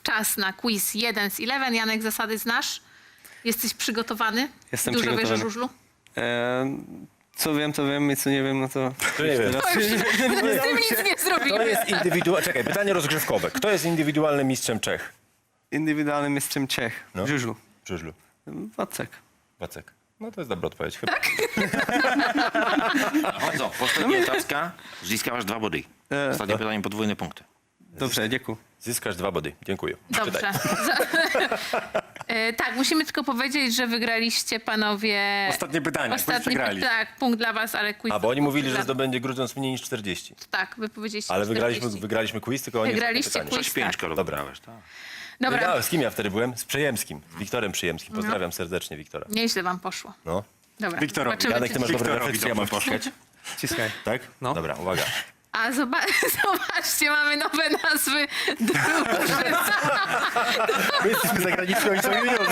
czas na quiz 1 z 11. Janek, zasady znasz? Jesteś przygotowany? Jestem Dużo przygotowany. wiesz o żużlu? Co wiem i co nie wiem, no to... To nie wiem. To już z tym nic nie To zrobimy. jest Czekaj, pytanie rozgrzewkowe. Kto jest indywidualnym mistrzem Czech? Indywidualnym mistrzem Czech. No. W żużlu. W żużlu. Wacek. Wacek. No to jest dobra odpowiedź chyba. Chodzą. Ostatnia otázka. Získáváš 2 body. Ostatnie pytanie, podwójne punkty. Dobrze, dziękuję. Zyskasz 2 body. Dziękuję. Dobrze. Czytaj. Tak, musimy tylko powiedzieć, że wygraliście panowie... Ostatnie pytanie, przegrali. Tak, punkt dla was, ale quiz... A, bo oni mówili, że zdobędzie Grudziądz mniej niż 40. Tak, wy powiedzieliście Ale 40. wygraliśmy quiz, tylko oni Wygraliście ostatnie pytanie. quiz. 6-5, tak. Karol, Dobra. wygrałeś, tak. Dobra, Wygrałem. Z kim ja wtedy byłem? Z Przejemskim. Z Wiktorem Przyjemskim. Pozdrawiam serdecznie Wiktora. nieźle wam poszło. No. Dobra, Wiktorowi. zobaczymy, Janek, ty masz dobre Wiktorowi refleksje, ja mam dobrze poszukać. Ciskaj. Tak? No. Dobra, uwaga. A zobaczcie, mamy nowe nazwy drużyn. My jesteśmy zagraniczni, oni są juniorzy.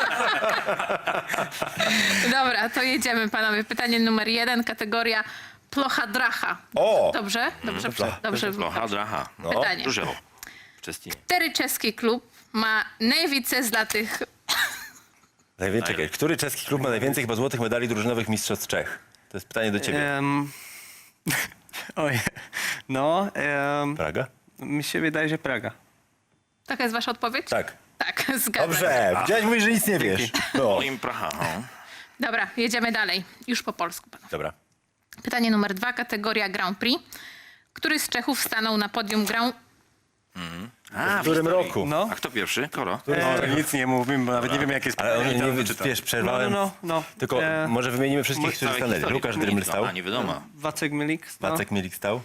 Dobra, to jedziemy panowie. Pytanie numer 1, kategoria plocha-dracha. O! Dobrze? Dobrze. Plocha, draha. No. Pytanie. Różewo. Wczesnie. Który czeski klub ma najwięcej złotych... Czekaj, który czeski klub ma najwięcej chyba złotych medali drużynowych mistrzostw Czech? To jest pytanie do ciebie. Oj, no, Praga? mi się wydaje, że Praga. Taka jest wasza odpowiedź? Tak. Tak, zgadzam się. Dobrze, widziałeś, mówisz, że nic nie wiesz. No. Moim Praha. No. Dobra, jedziemy dalej. Już po polsku. Panowie. Dobra. Pytanie numer 2, kategoria Grand Prix. Który z Czechów stanął na podium Grand... A, W którym historii. roku? No. A kto pierwszy? Koro? To nic nie mówimy, bo nawet nie wiem, jakie jest Ale on pytanie, nie czytam. wiesz, przerwałem. No. Tylko może wymienimy wszystkich, którzy Całej stanęli. historii. Łukasz Dryml stał. A, nie wiadomo. Wacek Milik. No. Wacek Milik stał.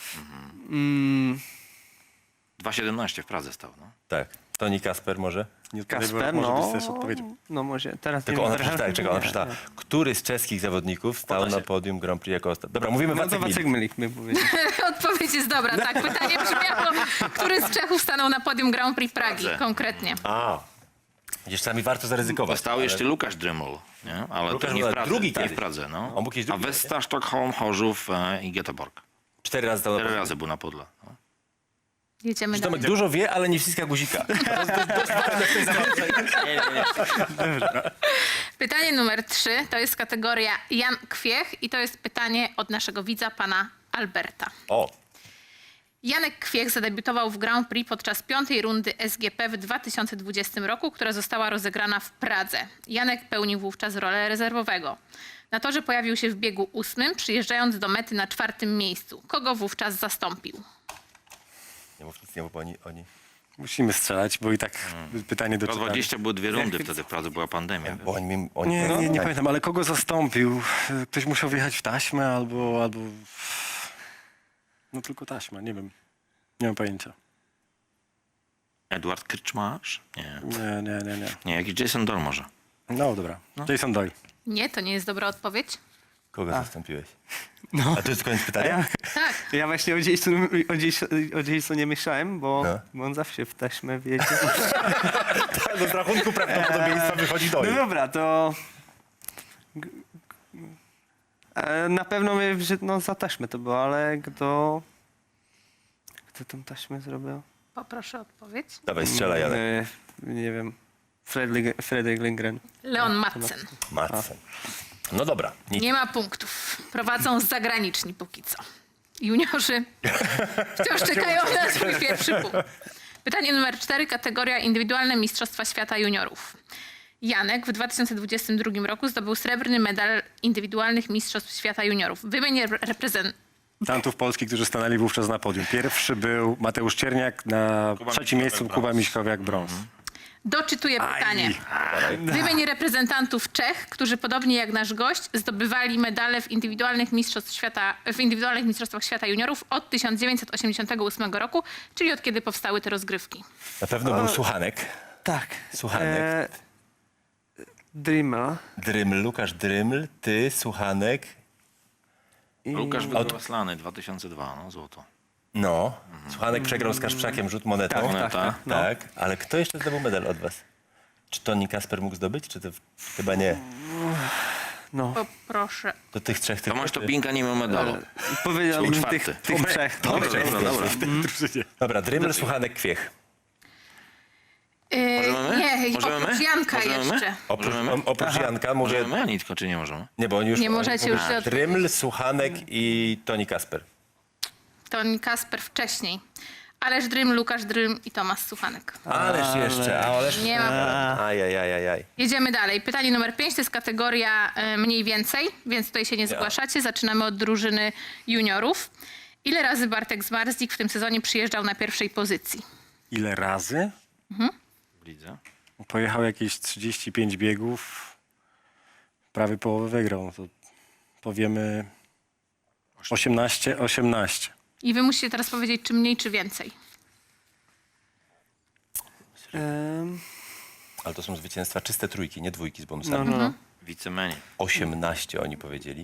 2,17 w Pradze stał. No. Tak. Toni Kasper może. Nie Kasper, może no. być też odpowiedzią. No może, teraz Tylko nie ona wiem. przeczytała, czekaj, ona przeczytała. Który z czeskich zawodników stał na podium Grand Prix jako ostatni? Dobra, mówimy No to Wacek Wacek Milik. Milik mi powiedział. Odpowiedź jest dobra, tak. Pytanie brzmiało, który z Czechów stanął na podium Grand Prix Pragi Dobrze. konkretnie. A. Widzisz, czasami warto zaryzykować. Stał jeszcze Lukasz Dryml, nie? Ale Lukasz to nie był w Pradze. drugi nie kiedyś. w Pradze, no. On był kiedyś A drugi, Westa, Sztokholm, Chorzów i Göteborg. 4 razy stał na 4 podium. razy był na podle. No. Jedziemy Tomek dalej. dużo wie, ale nie wciska guzika. Pytanie numer 3 to jest kategoria Jan Kwiech i to jest pytanie od naszego widza, pana Alberta. O, Janek Kwiech zadebiutował w Grand Prix podczas 5. rundy SGP w 2020 roku, która została rozegrana w Pradze. Janek pełnił wówczas rolę rezerwowego. Na torze pojawił się w biegu 8, przyjeżdżając do mety na 4. miejscu. Kogo wówczas zastąpił? nie mów nic, nie mów oni. Musimy strzelać, bo i tak pytanie do Po czytania. 20 były 2 rundy, wtedy w Pradze była pandemia. Bo oni Nie pamiętam, ale kogo zastąpił? Ktoś musiał wjechać w taśmę albo... No tylko taśma, nie wiem. Nie mam pojęcia. Edward Krczmarz? Nie. Nie. Nie, jakiś Jason Doll może. No dobra. Jason Doyle. Nie, to nie jest dobra odpowiedź. Kogo zastąpiłeś? A to jest koniec pytania? Tak. Ja właśnie o Jasonie myślałem, bo on zawsze w taśmę wiedzie. Z rachunku prawdopodobieństwa wychodzi do No dobra, to... Na pewno my, że no za taśmę to było, ale kto tą taśmę zrobił? Poproszę o odpowiedź. Dawaj, strzelaj, Janek. Nie wiem. Fredrik Lindgren. Leon Madsen. Madsen. No dobra. Nic. Nie ma punktów. Prowadzą zagraniczni póki co. Juniorzy wciąż czekają na swój pierwszy punkt. Pytanie numer 4, kategoria indywidualne Mistrzostwa Świata Juniorów. Janek w 2022 roku zdobył srebrny medal indywidualnych Mistrzostw Świata Juniorów. Wymień Tantów Polski, którzy stanęli wówczas na podium. Pierwszy był Mateusz Cierniak, na trzecim miejscu Kuba Miśkowiak, brąz. Doczytuję pytanie. Wymień reprezentantów Czech, którzy podobnie jak nasz gość zdobywali medale w indywidualnych Mistrzostwach Świata Juniorów od 1988 roku, czyli od kiedy powstały te rozgrywki. Na pewno był Suchanek. Tak. Suchanek. Dryml. Dryml, Łukasz Dryml, ty, Suchanek. Łukasz wygrał Slany 2002, no złoto. No. Suchanek przegrał z Kaszprzakiem rzut monetą. Moneta. Tak. Ale kto jeszcze zdobył medal od was? Czy Toni Kasper mógł zdobyć, czy to chyba nie? Poproszę. Do tych trzech tylko? Tomasz Topinka nie miał medalu. Powiedziałbym Był tych czwarty. trzech. Dobra. Dobra, Dryml, Suchanek, Kwiech. Ej, Możemy my? oprócz Janka Możemy my? jeszcze. Oprócz Janka mówię... Możemy my, Anitko, czy nie możemy? Nie, bo oni już... Nie oni możecie mówią już się odpowiedzieć. Tryml, Suchanek i Toni Kasper. Toni Kasper wcześniej. Ależ Drym, Łukasz Drym i Tomasz Suchanek. Ależ jeszcze, ależ... Nie ma. Ajajajajaj. Jedziemy dalej. Pytanie numer 5 to jest kategoria mniej więcej, więc tutaj się nie zgłaszacie. Zaczynamy od drużyny juniorów. Ile razy Bartek Zmarzlik w tym sezonie przyjeżdżał na pierwszej pozycji? Ile razy? W lidze. Pojechał jakieś 35 biegów. Prawie połowę wygrał. No to powiemy 18. I wy musicie teraz powiedzieć, czy mniej, czy więcej. Ale to są zwycięstwa czyste trójki, nie dwójki z bonusami. Wicemeni. 18 oni powiedzieli.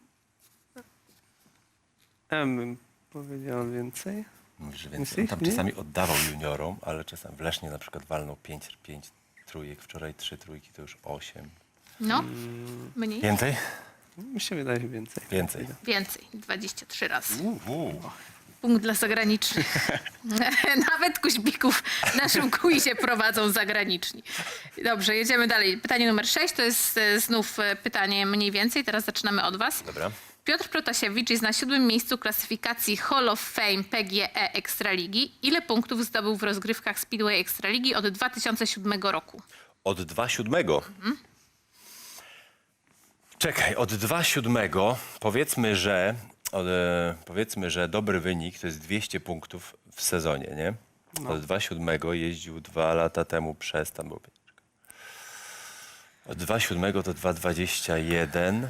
Ja bym powiedział więcej. Mówisz, że więcej. On Więcej? tam Nie? czasami oddawał juniorom, ale czasami w Lesznie na przykład walnął 5 trójek, wczoraj 3 trójki, to już 8. No, mniej? Więcej? Mi się wydaje więcej. Więcej. Więcej. 23 razy. Punkt dla zagranicznych. Nawet kuźbików w naszym quizie prowadzą zagraniczni. Dobrze, jedziemy dalej. Pytanie numer 6 to jest znów pytanie mniej więcej. Teraz zaczynamy od was. Dobra. Piotr Protasiewicz jest na 7. miejscu klasyfikacji Hall of Fame PGE Ekstraligi. Ile punktów zdobył w rozgrywkach Speedway Ekstraligi od 2007 roku? Od 2,7. Czekaj, od 2,7 powiedzmy, że dobry wynik to jest 200 punktów w sezonie, nie? Od 2,7 jeździł 2 lata temu przez tam było. Od 2,7 do 2,21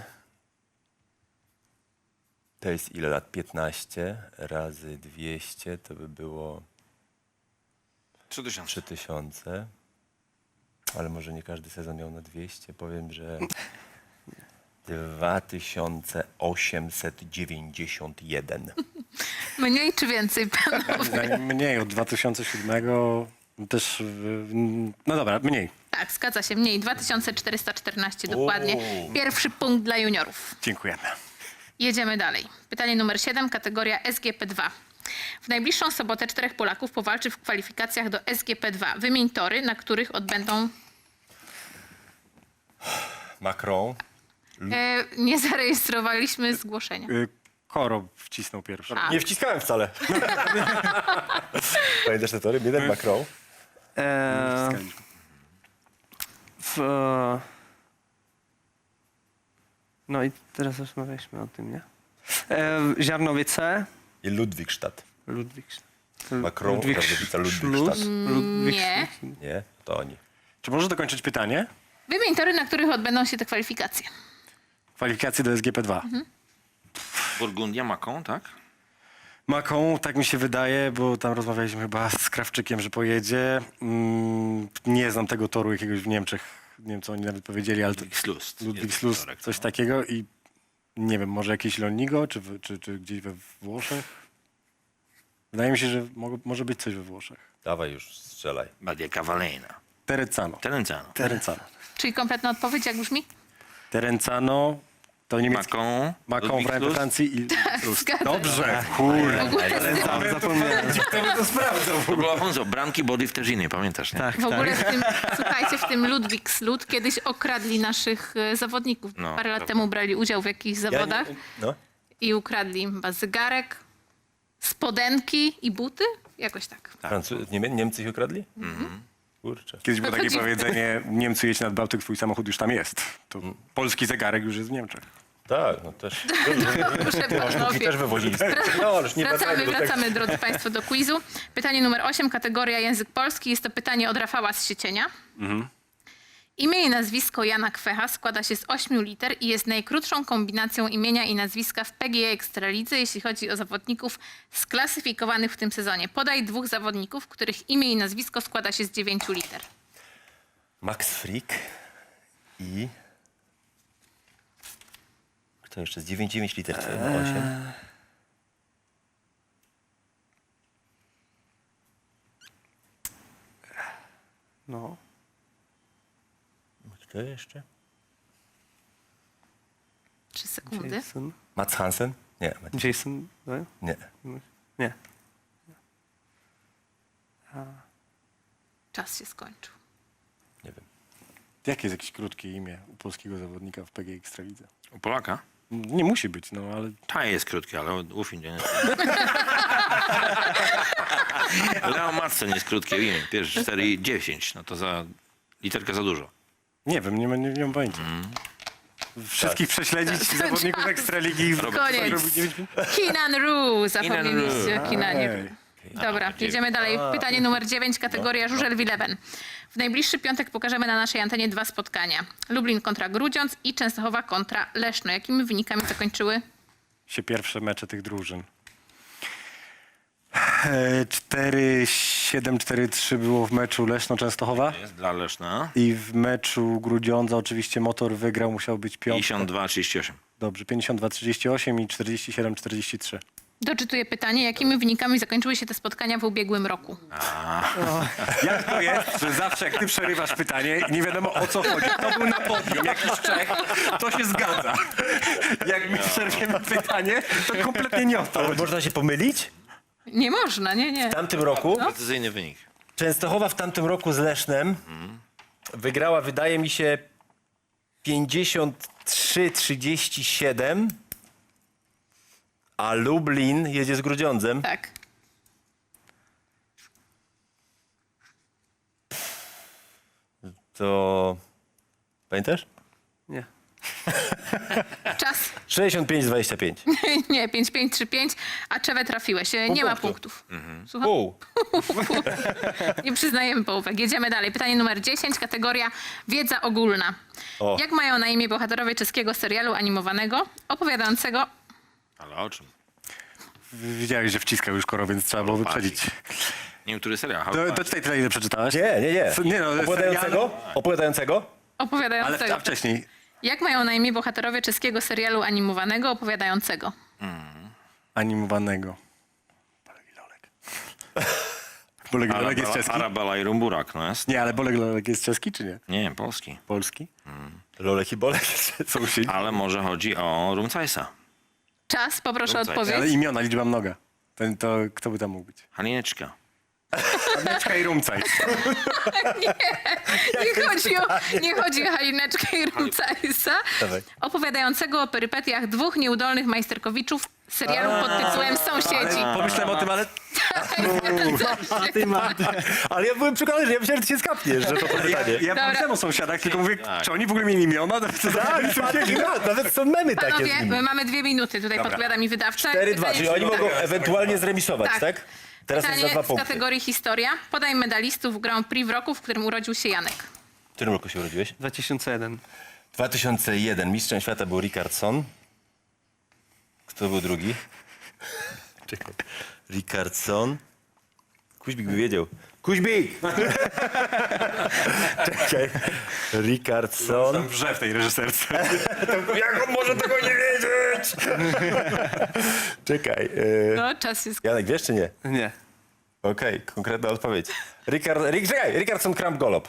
to jest ile lat? 15 razy 200 to by było 3000. 3000. Ale może nie każdy sezon miał na 200. Powiem, że 2891. Mniej czy więcej, panowie? Mniej, od 2007 też... No dobra, mniej. Tak, zgadza się, mniej. 2414 dokładnie. Pierwszy punkt dla juniorów. Dziękujemy. Jedziemy dalej. Pytanie numer 7, kategoria SGP2. W najbliższą sobotę 4 Polaków powalczy w kwalifikacjach do SGP2. Wymień tory, na których odbędą... Macron. nie zarejestrowaliśmy zgłoszenia. Koro wcisnął pierwszy. A. Nie wciskałem wcale. Pamiętasz te tory? Jeden Macron. No i teraz rozmawialiśmy o tym, nie? Ziarnowice. I Ludwigstadt. Ludwik. Macron, Katowice, Ludwigstadt. Nie. Nie? To oni. Czy możesz dokończyć pytanie? Wymień tory, na których odbędą się te kwalifikacje. Kwalifikacje do SGP2. Burgundia, Macon, tak? Macon, tak mi się wydaje, bo tam rozmawialiśmy chyba z Krawczykiem, że pojedzie. Nie znam tego toru jakiegoś w Niemczech. Nie wiem, co oni nawet powiedzieli, ale to Ludwigslust. Ludwigslust, Jest torek, coś no. takiego i nie wiem, może jakieś Lonigo, czy gdzieś we Włoszech? Wydaje mi się, że może być coś we Włoszech. Dawaj już, strzelaj. Badia Cavallina. Terenzano. Terenzano. Czyli kompletna odpowiedź, jak brzmi? Terenzano to niemiecki. Macon. Macon we Francji i... Zgadza Dobrze, kurde. W ogóle z tym, Zapomniałem. W ogóle, Alfonso, Branki Body w Terzinie, pamiętasz, nie? Tak, w ogóle w tym, słuchajcie, w tym Ludwigslud kiedyś okradli naszych zawodników. No, Parę lat prawda. temu brali udział w jakichś zawodach No. i ukradli im chyba zegarek, spodenki i buty? Jakoś tak. Niemcy ich ukradli? Kurczę. Kiedyś było takie Chodzi- powiedzenie, Niemcy jedź nad Bałtyk, twój samochód już tam jest. To polski zegarek już jest w Niemczech. Tak, no też. Proszę I panowie. też wywozili. No, ależ nie Wracamy, drodzy Państwo, do quizu. Pytanie numer 8, kategoria język polski. Jest to pytanie od Rafała z Siecienia. Imię i nazwisko Jana Kwecha składa się z 8 liter i jest najkrótszą kombinacją imienia i nazwiska w PGE Ekstralidze, jeśli chodzi o zawodników sklasyfikowanych w tym sezonie. Podaj 2 zawodników, których imię i nazwisko składa się z 9 liter. Max Frick i... Kto jeszcze? Z 9 liter, co? 8. No. Kto jeszcze? 3 sekundy. Jason. Mats Hansen? Nie. Jason. No? Nie. Nie. Czas się skończył. Nie wiem. Jakie jest jakieś krótkie imię u polskiego zawodnika w PG Ekstralidze? U Polaka? Nie musi być, no ale Ta jest krótki, ale uf im nie. Leo Madsen jest krótkie imię. Pierwsze 4 i 10. No to za literkę za dużo. nie wiem, nie mam pojęcia. Wszystkich prześledzić zawodników Ekstraligi. Koniec. Keenan Roo, zapomnieliście o Keenanie Roo. Ej. Dobra, jedziemy dalej. Pytanie numer 9, kategoria Żużel Wilewen. W najbliższy piątek pokażemy na naszej antenie 2 spotkania. Lublin kontra Grudziądz i Częstochowa kontra Leszno. Jakimi wynikami zakończyły? Się pierwsze mecze tych drużyn. 4-7, 4-3 było w meczu Leszno-Częstochowa. Jest dla Leszna. I w meczu Grudziądza oczywiście Motor wygrał, musiał być piątka. 52-38. Dobrze, 52-38 i 47-43. Doczytuję pytanie. Jakimi wynikami zakończyły się te spotkania w ubiegłym roku? Jak to jest, że zawsze jak ty przerywasz pytanie i nie wiadomo o co chodzi, kto był na podium, jakiś Czech, to się zgadza. Jak my przerwiemy pytanie, to kompletnie nie o to Ale chodzi. można się pomylić? Nie można, nie. W tamtym roku Precyzyjny wynik. Częstochowa w tamtym roku z Lesznem wygrała, wydaje mi się, 53-37, a Lublin jedzie z Grudziądzem. Tak. To pamiętasz? Nie. Czas? 65-25. Nie, 5-5-3-5, a Czewę trafiłeś. Nie ma punktu. punktów. Słucham? Pół. Nie przyznajemy połówek. Jedziemy dalej. Pytanie numer 10, kategoria wiedza ogólna. O. Jak mają na imię bohaterowie czeskiego serialu animowanego opowiadającego... Ale o czym? Wiedziałeś, że wciskał już Koro, więc trzeba było wyprzedzić. Nie wiem, który serial. To czytaj tyle, ile przeczytałeś. Nie. Nie no, Opowiadającego? Opowiadającego? Ale opowiadającego. a wcześniej. Jak mają na imię bohaterowie czeskiego serialu animowanego opowiadającego? Animowanego. Bolek i Lolek. Bolek i Lolek jest czeski? Arabella i Rumburak, no jest? Nie, ale Bolek i Lolek jest czeski, czy nie? Nie, polski. Polski? Lolek i Bolek. Sąsiedzi. Ale może chodzi o Rumcajsa. Czas, poproszę o Rzucaj. odpowiedź. Ale imiona, liczba mnoga. To kto by tam mógł być? Halineczka. Aneczka i Rumcaj. Nie chodzi o Halineczkę i Rumcajsa, Dawaj. opowiadającego o perypetiach 2 nieudolnych majsterkowiczów serialu pod tytułem Sąsiedzi. Pomyślałem o tym, ale... Ale ja byłem przekonany, że ja myślałem, że ty się skapniesz, że to pytanie. Ja pomyślałem o sąsiadach, tylko mówię, czy oni w ogóle mieli imiona? Nawet są memy takie z Panowie, nimi. my mamy 2 minuty, tutaj podpowiada mi wydawca. 4-2, Pytanie- czyli oni mogą ewentualnie zremisować, tak? Teraz jest za Pytanie 2 z punkty. kategorii historia. Podaj medalistów Grand Prix w roku, w którym urodził się Janek. W którym roku się urodziłeś? 2001. 2001. Mistrzem świata był Ricardson. Kto był drugi? Czekaj. Ricardson. Kuźbik by wiedział. Kuźbik! Czekaj. Ricardson. Wrze w tej reżyserce. Jak on może tego nie wiedzieć? Czekaj. No, czas jest... Janek, wiesz czy nie? Nie. Okej, konkretna odpowiedź. Czekaj, Ricardson Kramp Golob.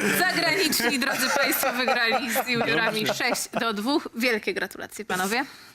Zagraniczni, drodzy Państwo, wygrali z juniorami 6-2. Wielkie gratulacje, panowie.